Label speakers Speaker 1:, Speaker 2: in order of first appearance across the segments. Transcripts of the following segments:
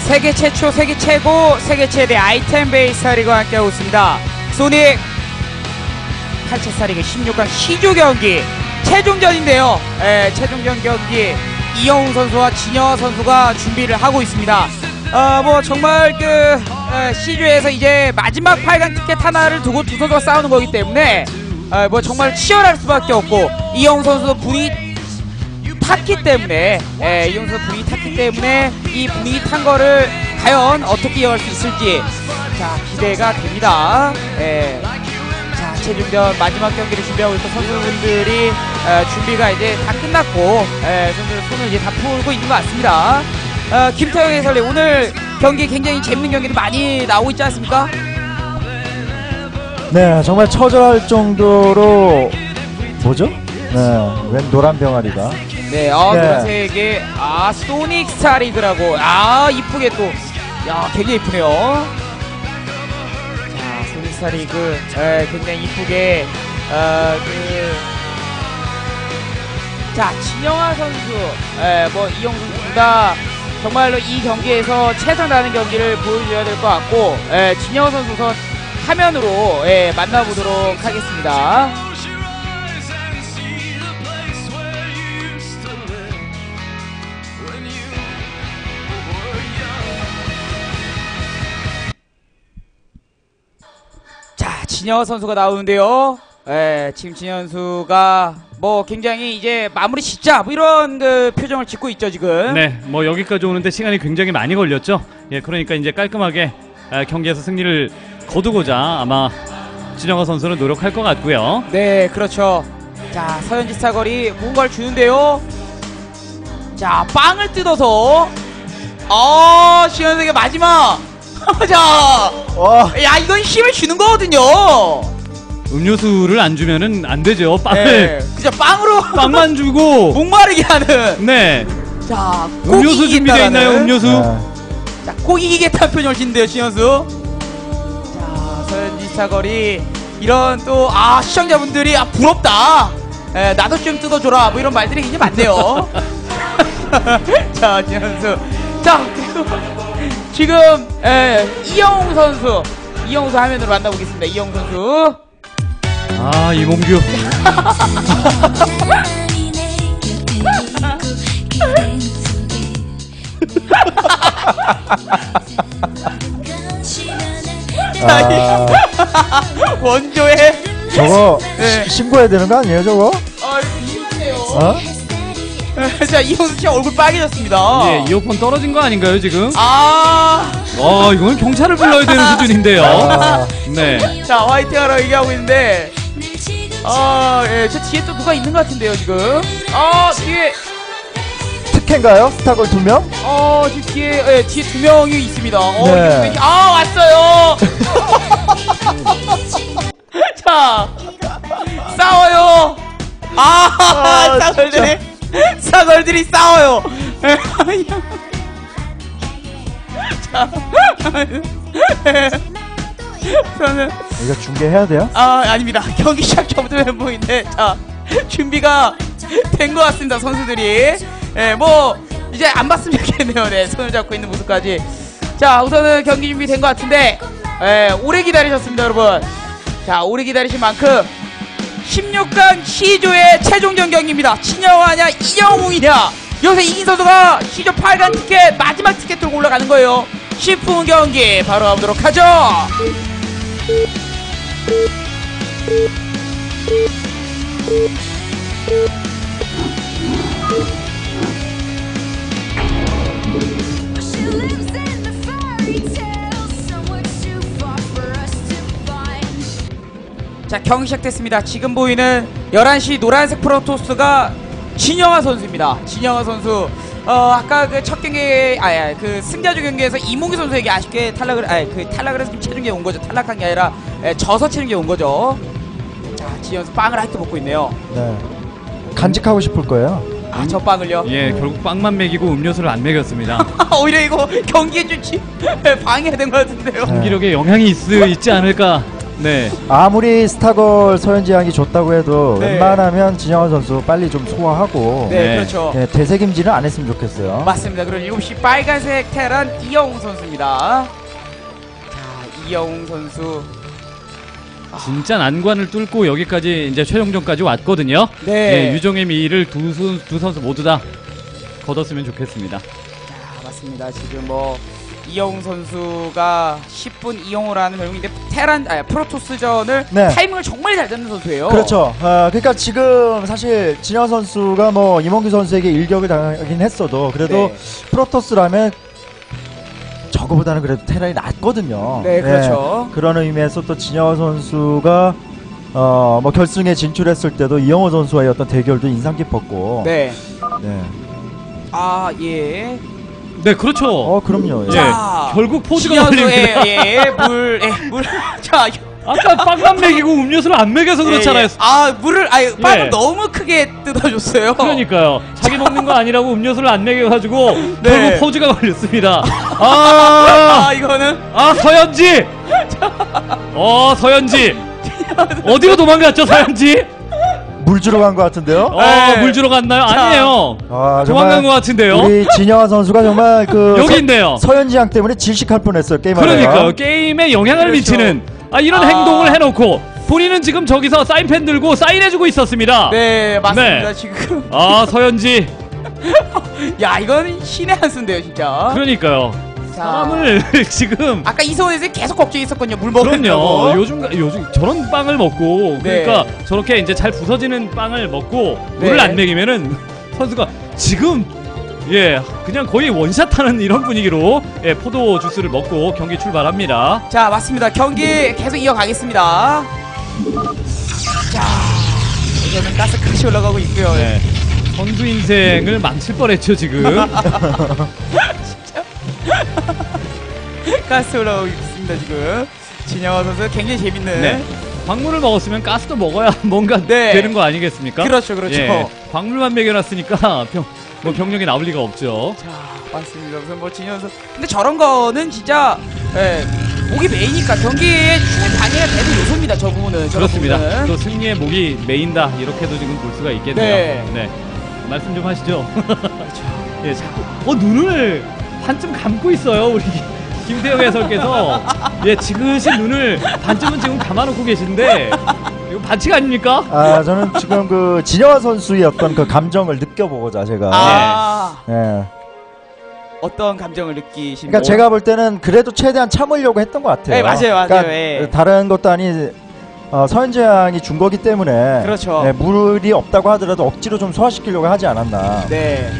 Speaker 1: 세계 최초, 세계 최고, 세계 최대 아이템 베이스 스타리그와 함께하고 있습니다. 소닉 8차 스타리그 16강 C조 경기 최종전인데요. 최종전 경기 이영웅 선수와 진영아 선수가 준비를 하고 있습니다. 뭐 정말 그 C조에서 이제 마지막 8강 티켓 하나를 두고 두 선수가 싸우는 거기 때문에 뭐 정말 치열할 수밖에 없고, 이영웅 선수도 분위기 탔기 때문에 이영웅 선수 분위기 탔기 때문에 이 분위기 탄 거를 과연 어떻게 이어갈 수 있을지 자 기대가 됩니다. 자 최종전 마지막 경기를 준비하고 있던 선수분들이 준비가 이제 다 끝났고 선수들 손을 이제 다 풀고 있는 것 같습니다. 김태형 해설위, 오늘 경기 굉장히 재밌는 경기도 많이 나오고 있지 않습니까?
Speaker 2: 네, 정말 처절할 정도로 뭐죠? 네, 웬 노란 병아리가.
Speaker 1: 네, 노란색의 소닉 스타리그라고 이쁘게 또 굉장히 이쁘네요. 자 소닉 스타리그 굉장히 이쁘게 자 진영아 선수 뭐 이영웅 선수가 정말로 이 경기에서 최선 다하는 경기를 보여줘야 될 것 같고, 진영아 선수 우선 화면으로 만나보도록 하겠습니다. 자 진영아 선수가 나오는데요. 지금 진영아 선수가 뭐 굉장히 이제 마무리 짓자 뭐 이런 그 표정을 짓고 있죠 지금.
Speaker 3: 네, 뭐 여기까지 오는데 시간이 굉장히 많이 걸렸죠. 예, 그러니까 이제 깔끔하게 경기에서 승리를 거두고자 아마 진영아 선수는 노력할 것 같고요.
Speaker 1: 네, 그렇죠. 자 서현지 사거리 뭔가를 주는데요. 자 빵을 뜯어서 시현석의 마지막 자, 야 이건 힘을 주는 거거든요.
Speaker 3: 음료수를 안 주면은 안 되죠. 빵을.
Speaker 1: 네, 그죠. 빵으로
Speaker 3: 빵만 주고
Speaker 1: 목마르게 하는.
Speaker 3: 네.
Speaker 1: 자,
Speaker 3: 음료수 준비되어 있나요? 음료수.
Speaker 1: 자, 꼭 이기겠다는 표정을 짓는데요, 신현수. 자, 서현지 사거리 이런 또 시청자분들이 부럽다. 나도 좀 뜯어줘라. 뭐 이런 말들이 굉장히 많네요. 자, 신현수. 자, 그리고 지금 이영웅 선수 화면으로 만나보겠습니다. 이영웅 선수.
Speaker 3: 이몽규.
Speaker 1: 원조에
Speaker 2: 저거 신고해야 되는 거 아니에요 저거?
Speaker 1: 이거 심하네요. 자 이영수 씨 얼굴 빨개졌습니다.
Speaker 3: 예, 이어폰 떨어진 거 아닌가요 지금?
Speaker 1: 이건
Speaker 3: 경찰을 불러야 되는 수준인데요. 네.
Speaker 1: 자 화이팅하라고 얘기하고 있는데 저 뒤에 또 누가 있는 것 같은데요 지금. 뒤에
Speaker 2: 특혜인가요? 스타걸 2명?
Speaker 1: 지금 뒤에 뒤에 2명이 있습니다.
Speaker 2: 네.
Speaker 1: 왔어요. 자 싸워요. 싸걸들이 싸워요. 자 저는
Speaker 2: 이거 중계해야 돼요?
Speaker 1: 아닙니다. 경기 시작 전부터 멘붕인데 자 준비가 된 것 같습니다. 선수들이 뭐 이제 안 봤으면 좋겠네요. 네, 손을 잡고 있는 모습까지. 자 우선은 경기 준비 된 것 같은데 오래 기다리셨습니다 여러분. 자 오래 기다리신 만큼 16강 C조의 최종전 경기입니다. 진영아냐 이영웅이냐, 여기서 이긴 선수가 C조 8강 티켓 마지막 티켓 들고 올라가는 거예요. 쉽은 경기 바로 가보도록 하죠. 자 경기 시작됐습니다. 지금 보이는 11시 노란색 프로토스가 진영아 선수입니다. 진영아 선수 아까 그 첫 경기 그 승자조 경기에서 이몽규 선수에게 아쉽게 탈락을 해서 지금 최종기에 온 거죠. 탈락한 게 아니라 져서 최종기에 온 거죠. 자 진영아 선수 빵을 한 끼 먹고 있네요.
Speaker 2: 네. 간직하고 싶을 거예요.
Speaker 1: 저 빵을요?
Speaker 3: 예, 결국 빵만 먹이고 음료수를 안 먹였습니다.
Speaker 1: 오히려 이거 경기에 좀 방해가 된 것 같은데요.
Speaker 3: 경기력에 영향이 있지 않을까. 네.
Speaker 2: 아무리 스타걸 서현지양이 좋다고 해도
Speaker 1: 네.
Speaker 2: 웬만하면 진영환 선수 빨리 좀 소화하고
Speaker 1: 네,
Speaker 3: 네.
Speaker 1: 그렇죠.
Speaker 2: 네, 되새김질은 안 했으면 좋겠어요.
Speaker 1: 맞습니다. 그리고 7시 빨간색 테란 이영웅 선수입니다. 자, 이영웅 선수.
Speaker 3: 진짜 난관을 뚫고 여기까지 이제 최종전까지 왔거든요.
Speaker 1: 네.
Speaker 3: 유종의 미를 두 선수 모두 다 거뒀으면 좋겠습니다.
Speaker 1: 자, 맞습니다. 지금 뭐 이영웅 선수가 10분 이영호라는 별명인데 프로토스전을
Speaker 2: 네.
Speaker 1: 타이밍을 정말 잘 잡는 선수예요.
Speaker 2: 그렇죠. 그러니까 지금 사실 진영환 선수가 뭐 임원규 선수에게 일격을 당하긴 했어도 그래도
Speaker 1: 네.
Speaker 2: 프로토스라면 저거보다는 그래도 테란이 낫거든요.
Speaker 1: 네, 그렇죠.
Speaker 2: 그런 의미에서 또 진영환 선수가 뭐 결승에 진출했을 때도 이영호 선수와의 어떤 대결도 인상 깊었고.
Speaker 1: 네.
Speaker 2: 네.
Speaker 1: 아, 예.
Speaker 3: 네, 그렇죠.
Speaker 2: 그럼요.
Speaker 3: 예.
Speaker 1: 자,
Speaker 3: 결국 포즈가 걸립니다.
Speaker 1: 물. 자,
Speaker 3: 아까 빵만 먹이고 음료수를 안 먹여서 그렇잖아요.
Speaker 1: 물을 빵을
Speaker 3: 예.
Speaker 1: 너무 크게 뜯어줬어요.
Speaker 3: 그러니까요. 자기 먹는 거 아니라고 음료수를 안 먹여가지고
Speaker 1: 네.
Speaker 3: 결국 포즈가 걸렸습니다.
Speaker 1: 이거는
Speaker 3: 서현지. 서현지. 어디로 도망갔죠, 서현지?
Speaker 2: 물 주러 간 것 같은데요.
Speaker 1: 네.
Speaker 3: 물 주러 갔나요? 아니에요. 도망간 것 같은데요.
Speaker 2: 우리 진영환 선수가 정말
Speaker 3: 여기 있네요.
Speaker 2: 서현지양 때문에 질식할 뻔했어요. 게임
Speaker 3: 그러니까요. 게임에 영향을
Speaker 1: 그렇죠.
Speaker 3: 미치는 이런 행동을 해놓고 본인은 지금 저기서 사인펜 들고 사인해주고 있었습니다.
Speaker 1: 네, 맞습니다.
Speaker 3: 네.
Speaker 1: 지금
Speaker 3: 서현지.
Speaker 1: 야, 이건 신의 한 수인데요, 진짜.
Speaker 3: 그러니까요.
Speaker 1: 자,
Speaker 3: 사람을 지금
Speaker 1: 아까 이소은에서 계속 걱정했었거든요. 물 먹으려고.
Speaker 3: 그럼요. 요즘 저런 빵을 먹고
Speaker 1: 네.
Speaker 3: 그러니까 저렇게 이제 잘 부서지는 빵을 먹고 물을
Speaker 1: 네.
Speaker 3: 안 먹이면은 선수가 지금 그냥 거의 원샷하는 이런 분위기로 포도 주스를 먹고 경기 출발합니다.
Speaker 1: 자, 맞습니다. 경기 계속 이어가겠습니다. 자, 이제는 가스까지 올라가고 있고요.
Speaker 3: 네. 선수 인생을 망칠 뻔했죠 지금.
Speaker 1: 가스 올라오고 있습니다. 지금 진영화 선수 굉장히 재밌는.
Speaker 3: 네. 광물을 먹었으면 가스도 먹어야 뭔가
Speaker 1: 네.
Speaker 3: 되는 거 아니겠습니까?
Speaker 1: 그렇죠, 그렇죠.
Speaker 3: 광물만 먹여놨으니까 병력이 나올 리가 없죠.
Speaker 1: 자, 맞습니다. 우선 뭐 진영 선수. 근데 저런 거는 진짜 목이 메이니까 경기에 충분히 방해가 되는 요소입니다. 저 부분은.
Speaker 3: 그렇습니다.
Speaker 1: 부분은.
Speaker 3: 또 승리의 목이 메인다 이렇게도 지금 볼 수가 있겠네요.
Speaker 1: 네.
Speaker 3: 말씀 좀 하시죠.
Speaker 1: 그렇죠.
Speaker 3: 자꾸 눈을 반쯤 감고 있어요 우리 김태형 해설께서. 지그시 눈을 반쯤은 지금 감아놓고 계신데 이거 반칙 아닙니까?
Speaker 2: 저는 지금 진영환 선수의 어떤 그 감정을 느껴보고자 제가
Speaker 1: 어떤 감정을 느끼신?
Speaker 2: 그러니까 제가 볼 때는 그래도 최대한 참으려고 했던 것 같아요.
Speaker 1: 네, 맞아요.
Speaker 2: 그러니까 다른 것도 아니 서현재 양이 준 거기 때문에
Speaker 1: 그렇죠.
Speaker 2: 물이 없다고 하더라도 억지로 좀 소화시키려고 하지 않았나.
Speaker 1: 네.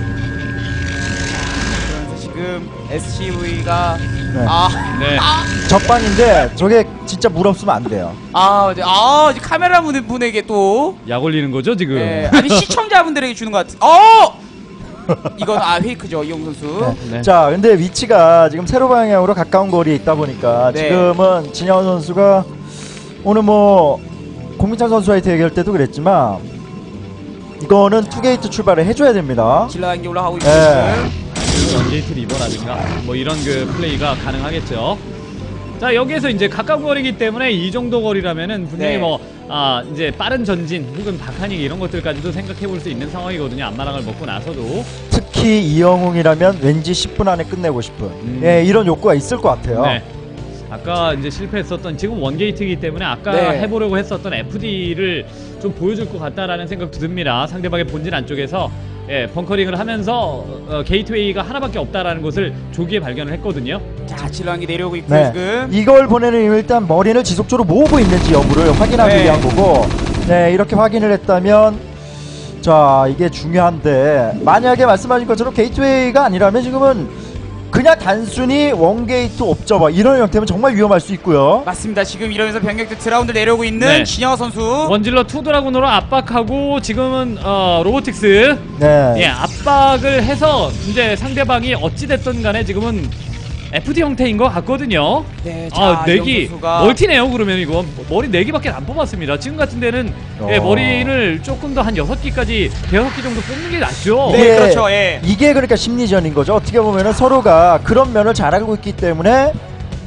Speaker 1: 그러면서 지금 SCV가
Speaker 2: 네. 적반인데 저게 진짜 물 없으면 안 돼요.
Speaker 1: 이제 카메라 분에게 또
Speaker 3: 약 올리는 거죠 지금.
Speaker 1: 아니 시청자분들에게 주는 것 같은. 이건 페이크죠 이용 선수.
Speaker 3: 네.
Speaker 2: 자, 근데 위치가 지금 세로 방향으로 가까운 거리에 있다 보니까
Speaker 1: 네.
Speaker 2: 지금은 진영환 선수가 오늘 뭐 공민찬 선수와의 대결 때도 그랬지만 이거는 투게이트 출발을 해줘야 됩니다.
Speaker 1: 질라한 게 올라가고 있고
Speaker 3: 원게이트 리버라든가 뭐 이런 그 플레이가 가능하겠죠. 자, 여기에서 이제 가까운 거리기 때문에 이 정도 거리라면은 분명히
Speaker 1: 네.
Speaker 3: 이제 빠른 전진 혹은 박하닉 이런 것들까지도 생각해 볼 수 있는 상황이거든요. 앞마당을 먹고 나서도.
Speaker 2: 특히 이영웅이라면 왠지 10분 안에 끝내고 싶은 이런 욕구가 있을 것 같아요.
Speaker 3: 네. 아까 이제 실패했었던 지금 원게이트이기 때문에 아까 해보려고 했었던 FD를 좀 보여줄 것 같다라는 생각도 듭니다. 상대방의 본진 안쪽에서 벙커링을 하면서 게이트웨이가 하나밖에 없다라는 것을 조기에 발견을 했거든요.
Speaker 1: 자, 질라한 게 내려오고 있고 지금.
Speaker 2: 이걸 보내는 일단 머리를 지속적으로 모으고 있는지 여부를 확인하기 위한 거고, 이렇게 확인을 했다면 자, 이게 중요한데 만약에 말씀하신 것처럼 게이트웨이가 아니라면 지금은 그냥 단순히 원게이트 옵저버 이런 형태면 정말 위험할 수 있고요.
Speaker 1: 맞습니다. 지금 이러면서 병력들 드라운드 내려오고 있는 진영화 선수.
Speaker 3: 원질러 투드라군으로 압박하고 지금은 로보틱스 압박을 해서 이제 상대방이 어찌됐든 간에 지금은 FD 형태인 것 같거든요.
Speaker 1: 네, 자,
Speaker 3: 내기
Speaker 1: 선수가
Speaker 3: 멀티네요. 그러면 이거 머리 4개밖에 안 뽑았습니다. 지금 같은 데는 머리를 조금 더 한 6기까지 6기 정도 뽑는 게 낫죠.
Speaker 1: 네, 그렇죠.
Speaker 2: 이게 그러니까 심리전인 거죠. 어떻게 보면은 서로가 그런 면을 잘 알고 있기 때문에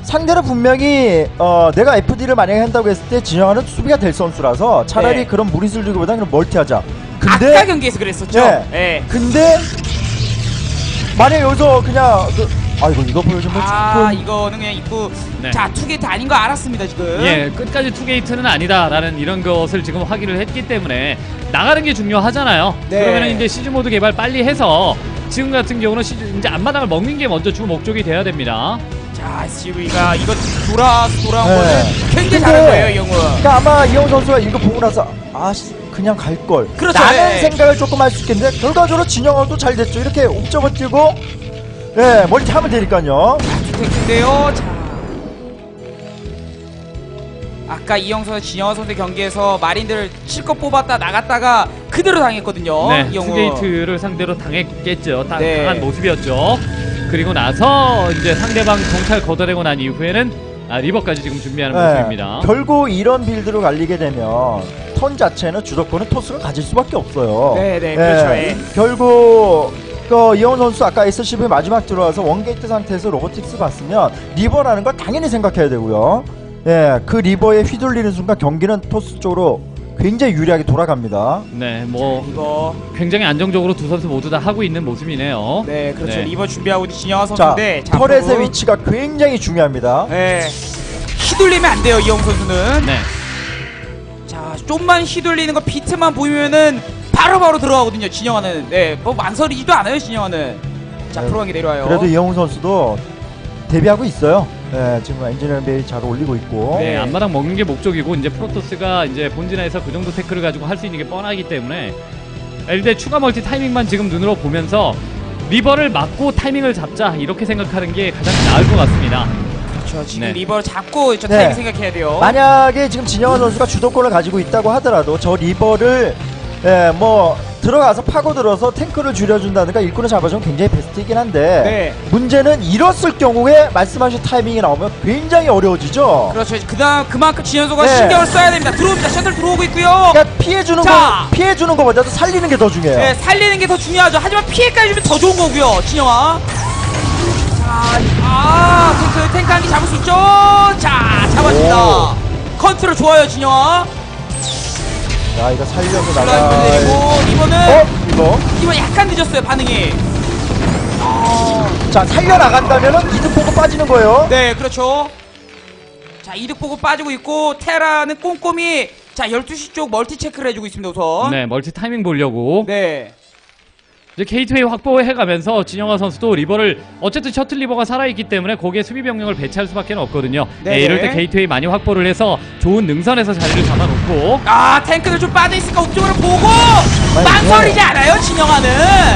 Speaker 2: 상대는 분명히 내가 FD를 만약에 한다고 했을 때 진영아는 수비가 될 선수라서 차라리
Speaker 1: 네.
Speaker 2: 그런 무리수를 주기보다는 그냥 멀티하자. 근데
Speaker 1: 아까 경기에서 그랬었죠.
Speaker 2: 네.
Speaker 1: 네.
Speaker 2: 근데 만약 여기서 그냥 아이고 이거 보여주면 조금
Speaker 1: 이거는 그냥 입구
Speaker 3: 네.
Speaker 1: 자 투게이트 아닌 거 알았습니다 지금.
Speaker 3: 예, 끝까지 투게이트는 아니다라는 이런 것을 지금 확인을 했기 때문에 나가는 게 중요하잖아요.
Speaker 1: 네.
Speaker 3: 그러면 이제 시즈 모드 개발 빨리 해서 지금 같은 경우는 이제 앞마당을 먹는 게 먼저 주 목적이 돼야 됩니다.
Speaker 1: 자 SCV가 이거 돌아온
Speaker 2: 네.
Speaker 1: 거는 굉장히
Speaker 2: 근데
Speaker 1: 잘한 거예요 이 형은.
Speaker 2: 그러니까 아마 이영 선수가 이거 보고 나서 그냥 갈 걸.
Speaker 1: 그렇죠.
Speaker 2: 라는
Speaker 1: 네.
Speaker 2: 생각을 조금 할 수 있겠는데 결과적으로 진영아도 잘 됐죠. 이렇게 옵저버 뛰고 멀티 하면 되니까요.
Speaker 1: 투테크인데요. 자 아까 이영 선수 진영아 선수 경기에서 마린들 실컷 뽑았다 나갔다가 그대로 당했거든요.
Speaker 3: 네,
Speaker 1: 이 형은.
Speaker 3: 투게이트를 상대로 당했겠죠.
Speaker 1: 네.
Speaker 3: 당한 모습이었죠. 그리고 나서 이제 상대방 정찰 걷어내고 난 이후에는 리버까지 지금 준비하는 모습입니다.
Speaker 2: 결국 이런 빌드로 갈리게 되면 턴 자체는 주도권은 토스가 가질 수밖에 없어요.
Speaker 1: 네, 그렇죠. 예.
Speaker 2: 결국 이영훈 선수 아까 SCV 마지막 들어와서 원게이트 상태에서 로보틱스 봤으면 리버라는 걸 당연히 생각해야 되고요. 그 리버에 휘둘리는 순간 경기는 토스 쪽으로 굉장히 유리하게 돌아갑니다.
Speaker 3: 네, 뭐
Speaker 1: 이거
Speaker 3: 굉장히 안정적으로 두 선수 모두 다 하고 있는 모습이네요.
Speaker 1: 네 그렇죠.
Speaker 3: 네.
Speaker 1: 리버 준비하고 있는 진영아
Speaker 2: 자,
Speaker 1: 선수인데
Speaker 2: 터렛의 위치가 굉장히 중요합니다.
Speaker 1: 네 휘둘리면 안 돼요 이영 선수는.
Speaker 3: 네.
Speaker 1: 자 좀만 휘둘리는 거 비트만 보이면은 바로바로 들어가거든요 진영아는. 뭐 망설이지도 않아요 진영아는. 자
Speaker 2: 네,
Speaker 1: 프로강이 내려와요.
Speaker 2: 그래도 이영훈 선수도 데뷔하고 있어요. 지금 엔지니어링 베이 잘 올리고 있고.
Speaker 3: 네, 앞마당 먹는 게 목적이고 이제 프로토스가 이제 본진에서 그 정도 태클을 가지고 할 수 있는 게 뻔하기 때문에 일단 추가 멀티 타이밍만 지금 눈으로 보면서 리버를 막고 타이밍을 잡자 이렇게 생각하는 게 가장 나을 것 같습니다.
Speaker 1: 그렇죠. 지금
Speaker 3: 네.
Speaker 1: 리버를 잡고 저
Speaker 2: 네.
Speaker 1: 타이밍 생각해야 돼요.
Speaker 2: 만약에 지금 진영환 선수가 주도권을 가지고 있다고 하더라도 저 리버를 들어가서 파고들어서 탱크를 줄여준다든가 일꾼을 잡아주면 굉장히 베스트이긴 한데
Speaker 1: 네.
Speaker 2: 문제는 이뤘을 경우에 말씀하신 타이밍이 나오면 굉장히 어려워지죠.
Speaker 1: 그렇죠. 그만큼 진현수가
Speaker 2: 네.
Speaker 1: 신경을 써야 됩니다. 들어옵니다. 셔틀 들어오고 있고요.
Speaker 2: 그러니까 피해주는 거보다도 살리는 게 더 중요해요.
Speaker 1: 네, 살리는 게 더 중요하죠. 하지만 피해까지 주면 더 좋은 거고요. 진영아. 자, 탱크 한 개 잡을 수 있죠. 자, 잡았습니다. 컨트롤 좋아요, 진영아.
Speaker 2: 야, 이거 살려서
Speaker 1: 슬라이드
Speaker 2: 나가.
Speaker 1: 내리고 이번은 이번 약간 늦었어요 반응이.
Speaker 2: 자, 살려 나간다면은 이득 보고 빠지는 거예요.
Speaker 1: 네, 그렇죠. 자, 이득 보고 빠지고 있고 테라는 꼼꼼히 자 12시 쪽 멀티 체크를 해주고 있습니다 우선.
Speaker 3: 네, 멀티 타이밍 보려고
Speaker 1: 네.
Speaker 3: 이제 게이트웨이 확보해가면서 진영아 선수도 리버를 어쨌든 셔틀 리버가 살아있기 때문에 거기에 수비 병력을 배치할 수밖에 없거든요.
Speaker 1: 네네.
Speaker 3: 이럴 때 게이트웨이 많이 확보를 해서 좋은 능선에서 자리를 잡아놓고
Speaker 1: 탱크들 좀 빠져있으니까 옥쪽으로 보고 망설이지 않아요 진영아는.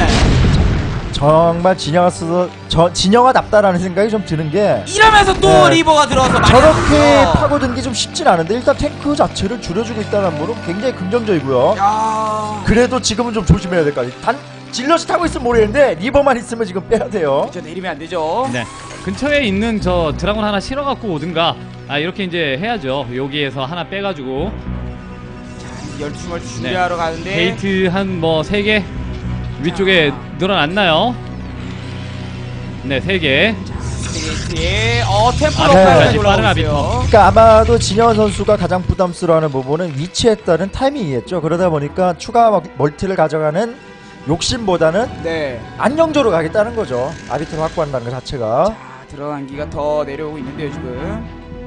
Speaker 2: 정말 진영아답다라는 생각이 좀 드는 게
Speaker 1: 이러면서 또
Speaker 2: 네.
Speaker 1: 리버가 들어와서
Speaker 2: 저렇게 파고든 게 좀 쉽진 않은데 일단 탱크 자체를 줄여주고 있다는 거는 굉장히 긍정적이고요.
Speaker 1: 야,
Speaker 2: 그래도 지금은 좀 조심해야 될 것 같아요. 질럿이 타고 있으면 모르겠는데 리버만 있으면 지금 빼야 돼요.
Speaker 1: 저 내리면 안 되죠.
Speaker 3: 네, 근처에 있는 저 드라곤 하나 실어갖고 오든가 이렇게 이제 해야죠. 여기에서 하나 빼가지고
Speaker 1: 12시 멀티 준비하러 가는데
Speaker 3: 게이트 한 뭐 3개 위쪽에 늘어났나요? 네, 3개.
Speaker 1: 게이트에 템플러
Speaker 2: 네.
Speaker 1: 까지
Speaker 3: 빠른
Speaker 1: 올라오고
Speaker 3: 아비터.
Speaker 1: 있어요.
Speaker 2: 그러니까 아마도 진영환 선수가 가장 부담스러워하는 부분은 위치에 따른 타이밍이겠죠. 그러다 보니까 추가 멀티를 가져가는 욕심보다는
Speaker 1: 네.
Speaker 2: 안정적으로 가겠다는 거죠. 아비트를 확보한다는 것 자체가.
Speaker 1: 자, 들어간 기가 더 내려오고 있는데요 지금.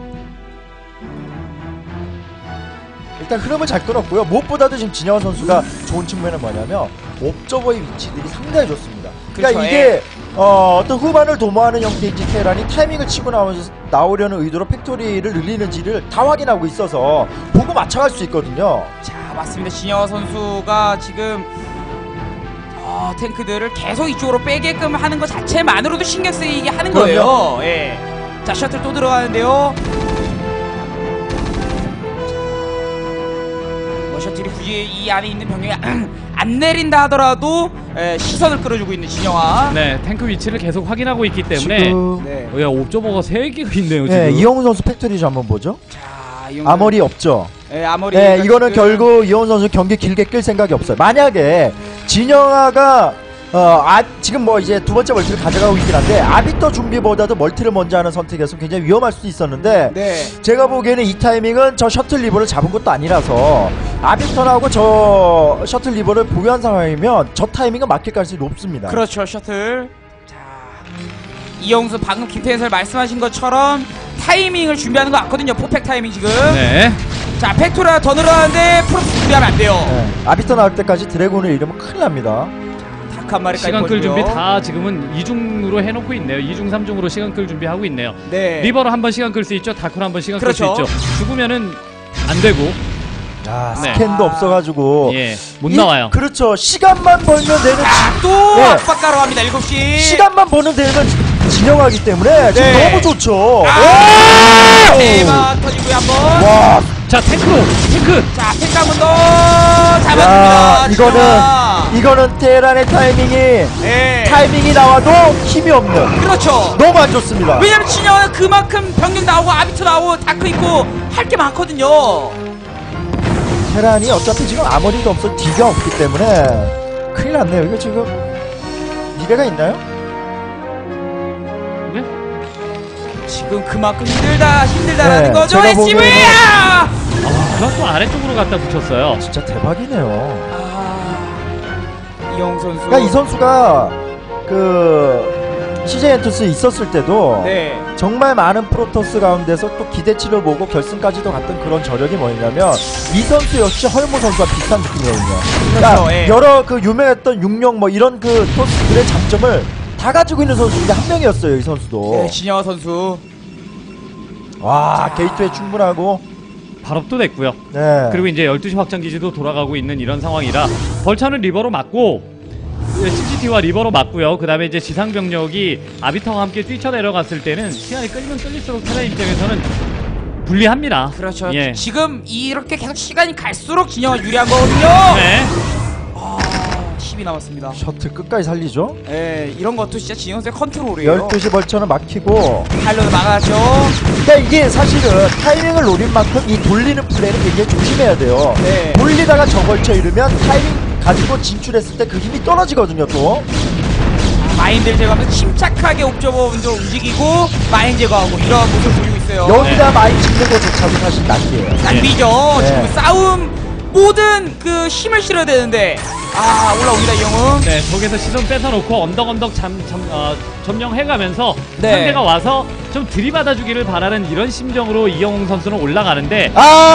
Speaker 2: 일단 흐름을 잘 끊었고요. 무엇보다도 지금 진영환 선수가 좋은 측면은 뭐냐면 옵저버의 위치들이 상당히 좋습니다. 그러니까
Speaker 1: 그렇죠,
Speaker 2: 이게 어떤 후반을 도모하는 형태의 테란이 타이밍을 치고 나오려는 의도로 팩토리를 늘리는지를 다 확인하고 있어서 보고 맞춰갈 수 있거든요.
Speaker 1: 자, 맞습니다. 진영아 선수가 지금 탱크들을 계속 이쪽으로 빼게끔 하는 것 자체만으로도 신경 쓰이게 하는 거예요. 예. 자, 셔틀 또 들어가는데요. 셔틀이 굳이 이 안에 있는 병력이 안 내린다 하더라도 시선을 끌어주고 있는 진영아.
Speaker 3: 네, 탱크 위치를 계속 확인하고 있기 때문에
Speaker 2: 지금
Speaker 1: 네.
Speaker 3: 야, 옵저버가 3개가 있네요, 지금.
Speaker 2: 네, 이영훈 선수 팩토리 좀 한번 보죠.
Speaker 1: 자,
Speaker 2: 아머리 없죠.
Speaker 1: 아머리.
Speaker 2: 네, 이거는 결국 이영훈 선수 경기 길게 끌 생각이 없어요. 만약에 진영아가 지금 뭐 이제 두 번째 멀티를 가져가고 있긴 한데 아비터 준비보다도 멀티를 먼저 하는 선택에서 굉장히 위험할 수도 있었는데
Speaker 1: 네.
Speaker 2: 제가 보기에는 이 타이밍은 저 셔틀 리버를 잡은 것도 아니라서 아비터 나오고 저 셔틀 리버를 보유한 상황이면 저 타이밍은 막힐 가능성이 높습니다.
Speaker 1: 그렇죠. 셔틀. 자, 이영수 방금 김태현 설 말씀하신 것처럼 타이밍을 준비하는 거 같거든요. 퍼펙트 타이밍 지금.
Speaker 3: 네.
Speaker 1: 자, 팩토리가 더 늘어나는데 프로스 준비하면 안 돼요.
Speaker 2: 네. 아비터 나올 때까지 드래곤을 잃으면 큰일 납니다.
Speaker 1: 닭 한 마리까지
Speaker 3: 시간 끌
Speaker 1: 보여주고요.
Speaker 3: 준비 다 지금은 2중으로 해놓고 있네요. 2중 3중으로 시간 끌 준비하고 있네요.
Speaker 1: 네.
Speaker 3: 리버로 한번 시간 끌 수 있죠. 다크로 한번 시간 끌 수
Speaker 1: 그렇죠.
Speaker 3: 있죠. 죽으면은 안 되고
Speaker 2: 네.
Speaker 1: 네.
Speaker 2: 스캔도 없어가지고
Speaker 3: 예, 못 나와요.
Speaker 2: 그렇죠. 시간만 벌면 되는
Speaker 1: 또
Speaker 2: 네.
Speaker 1: 압박가로 합니다. 7시.
Speaker 2: 시간만 버는 되는 진영하기 때문에 지금
Speaker 1: 네.
Speaker 2: 너무 좋죠.
Speaker 1: 대박 터지고요 한번.
Speaker 2: 와,
Speaker 3: 자, 탱크.
Speaker 1: 자, 탱크 한번 더
Speaker 2: 야,
Speaker 1: 잡아줍니다.
Speaker 2: 이거는 테란의
Speaker 1: 네.
Speaker 2: 타이밍이 나와도 힘이 없는
Speaker 1: 그렇죠.
Speaker 2: 너무 안 좋습니다.
Speaker 1: 왜냐면 진영은 그만큼 병력 나오고 아비터 나오고 다크 있고 할 게 많거든요.
Speaker 2: 테란이 어차피 지금 아머리도 없어 D가 없기 때문에 큰일 났네요. 이거 지금 미래가 있나요?
Speaker 3: 네?
Speaker 1: 지금 그만큼 힘들다라는
Speaker 2: 네,
Speaker 1: 거죠.
Speaker 2: 제가
Speaker 1: SCV!
Speaker 3: 아, 그건 또 아래쪽으로 갖다 붙였어요.
Speaker 2: 진짜 대박이네요.
Speaker 1: 이영 선수.
Speaker 2: 그러니까 이 선수가 그 CJ 엔투스에 있었을 때도
Speaker 1: 네.
Speaker 2: 정말 많은 프로토스 가운데서 또 기대치를 보고 결승까지도 갔던 그런 저력이 뭐냐면 이 선수 역시 헐모 선수와 비슷한 느낌이거든요. 그러니까
Speaker 1: 예.
Speaker 2: 여러 그 유명했던 육룡 뭐 이런 그 토스들의 장점을 다 가지고 있는 선수 중에 한 명이었어요. 이 선수도.
Speaker 1: 네, 진영아 선수.
Speaker 2: 와, 게이트에 충분하고.
Speaker 3: 발업도 됐고요.
Speaker 2: 네.
Speaker 3: 그리고 이제 12시 확장 기지도 돌아가고 있는 이런 상황이라 벌차는 리버로 맞고 CCT와 리버로 맞고요. 그 다음에 이제 지상 병력이 아비터와 함께 뛰쳐내려갔을 때는 시간이 끌면 끌릴수록 테란 입장에서는 불리합니다.
Speaker 1: 그렇죠.
Speaker 3: 예.
Speaker 1: 지금 이렇게 계속 시간이 갈수록 진영아 유리한 거거든요.
Speaker 3: 네.
Speaker 1: 10이 남았습니다.
Speaker 2: 셔틀 끝까지 살리죠.
Speaker 1: 네, 이런 것도 진짜 진영 선수의 컨트롤이에요.
Speaker 2: 12시 벌처는 막히고.
Speaker 1: 팔로도 막았죠.
Speaker 2: 그러니까 이게 사실은 타이밍을 노린 만큼 이 돌리는 플레이는 굉장히 조심해야 돼요.
Speaker 1: 네.
Speaker 2: 돌리다가 저 벌처 잃으면 타이밍 가지고 진출했을 때 그 힘이 떨어지거든요. 또
Speaker 1: 마인들 제거하면서 침착하게 옵저버 먼저 움직이고 마인 제거하고 이런 모습을 보이고 있어요.
Speaker 2: 여기다 많이 짓는 것조차도 사실 낭비예요.
Speaker 1: 낭비죠.
Speaker 2: 네.
Speaker 1: 지금 싸움 모든 그 힘을 실어야 되는데 올라옵니다 이영웅.
Speaker 3: 네, 저기서 시선 뺏어놓고 언덕 점령해가면서
Speaker 1: 네.
Speaker 3: 상대가 와서 좀 들이받아주기를 바라는 이런 심정으로 이영웅 선수는 올라가는데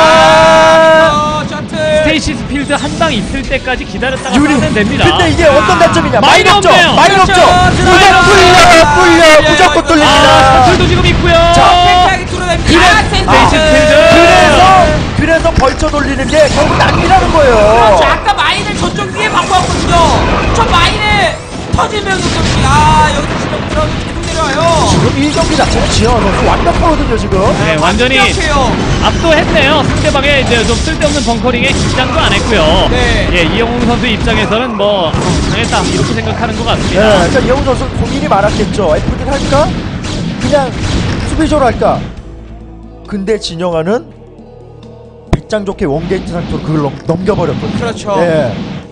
Speaker 1: 셔틀.
Speaker 3: 스테이시스 필드 한 방 있을 때까지 기다렸다가
Speaker 2: 유리.
Speaker 3: 싸면 됩니다.
Speaker 2: 근데 이게 어떤 단점이냐?
Speaker 3: 마인
Speaker 2: 없죠.
Speaker 3: 없네요.
Speaker 2: 마인
Speaker 1: 그렇죠.
Speaker 2: 없죠. 무조건 뚫려. 무조건
Speaker 1: 이거.
Speaker 2: 뚫립니다.
Speaker 3: 셔틀도 지금 있고요.
Speaker 1: 팽팽하게 뚫어냅니다.
Speaker 3: 스테이시스
Speaker 1: 센터.
Speaker 2: 그래서 벌쳐 돌리는 게 결국 낭비라는 거예요.
Speaker 1: 그렇죠. 아까 마인을 저쪽 위에 바꿔왔거든요. 저 마인에 터지면 여기서 지금 들어가서 계속 내려와요.
Speaker 2: 지금 1경기 자체는 지현 선수 완벽하거든요. 지금.
Speaker 3: 네, 완전히
Speaker 1: 완벽해요.
Speaker 3: 압도했네요. 상대방의 이제 좀 쓸데없는 벙커링에 긴장도 안 했고요.
Speaker 1: 네.
Speaker 3: 예, 이영웅 선수 입장에서는 뭐 당했다 이렇게 생각하는 것
Speaker 2: 네,
Speaker 3: 같습니다.
Speaker 2: 그러니까 이영훈 선수 고민이 많았겠죠. FD를 할까? 그냥 수비조로 할까? 근데 진영아는 백장 좋게 원게이트 상태로 그걸 넘겨버렸거든요.
Speaker 1: 그렇죠.
Speaker 2: 네.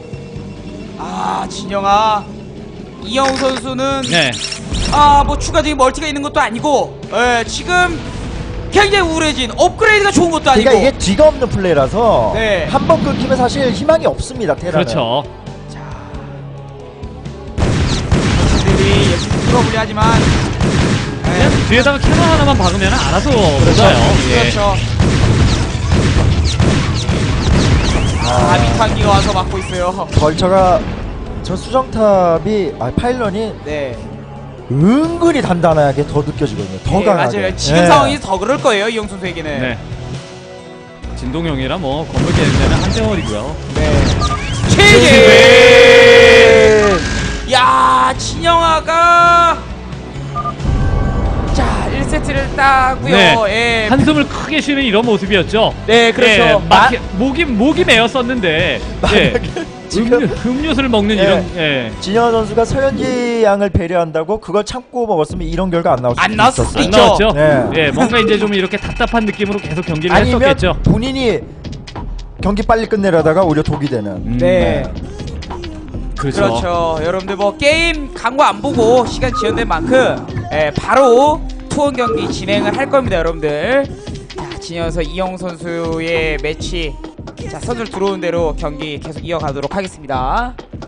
Speaker 1: 진영아. 이영웅 선수는
Speaker 3: 네.
Speaker 1: 뭐 추가적인 멀티가 있는 것도 아니고 지금 굉장히 우울해진 업그레이드가 좋은 것도 아니고.
Speaker 2: 그러니까 이게 뒤가 없는 플레이라서
Speaker 1: 네.
Speaker 2: 한 번 끊기면 사실 희망이 없습니다. 테라는.
Speaker 3: 그렇죠.
Speaker 1: 선수들이 열심히 풀어보려 하지만
Speaker 3: 그냥 뒤에다가 캐논 하나만 박으면 알아서 오잖아요. 예.
Speaker 1: 그렇죠. 아비탄기가 와서 막고 있어요.
Speaker 2: 벌처가 저 수정탑이 파일런이
Speaker 1: 네.
Speaker 2: 은근히 단단하게 더 느껴지거든요. 더
Speaker 1: 네,
Speaker 2: 강하게.
Speaker 1: 맞아요. 지금
Speaker 2: 네.
Speaker 1: 상황이 더 그럴 거예요. 이영 선수에게는.
Speaker 3: 네. 진동형이라 뭐 건물 깨는 데는 한 대월이고요.
Speaker 1: 네.
Speaker 2: 네.
Speaker 1: 최재. 야, 진영아가 자 1세트를 따고요.
Speaker 3: 네.
Speaker 1: 예.
Speaker 3: 한숨을 크게 쉬는 이런 모습이었죠.
Speaker 1: 네, 그렇죠.
Speaker 3: 예, 목이 메었었는데 예,
Speaker 2: 지금
Speaker 3: 음료수를 먹는
Speaker 2: 예.
Speaker 3: 이런 예.
Speaker 2: 진현 선수가 서현지 양을 배려한다고 그걸 참고 먹었으면 이런 결과 안 나올 수
Speaker 1: 안 나왔을 수도
Speaker 3: 안
Speaker 1: 있죠.
Speaker 3: 나왔죠.
Speaker 2: 네.
Speaker 3: 예, 뭔가 이제 좀 이렇게 답답한 느낌으로 계속 경기를
Speaker 2: 아니면
Speaker 3: 했었겠죠.
Speaker 2: 본인이 경기 빨리 끝내려다가 오히려 독이 되는.
Speaker 1: 네. 그렇죠. 여러분들 뭐 게임 광고 안 보고 시간 지연된 만큼 바로 투혼 경기 진행을 할 겁니다, 여러분들. 자, 진이어서 이영 선수의 매치. 자, 선수들 들어온 대로 경기 계속 이어가도록 하겠습니다.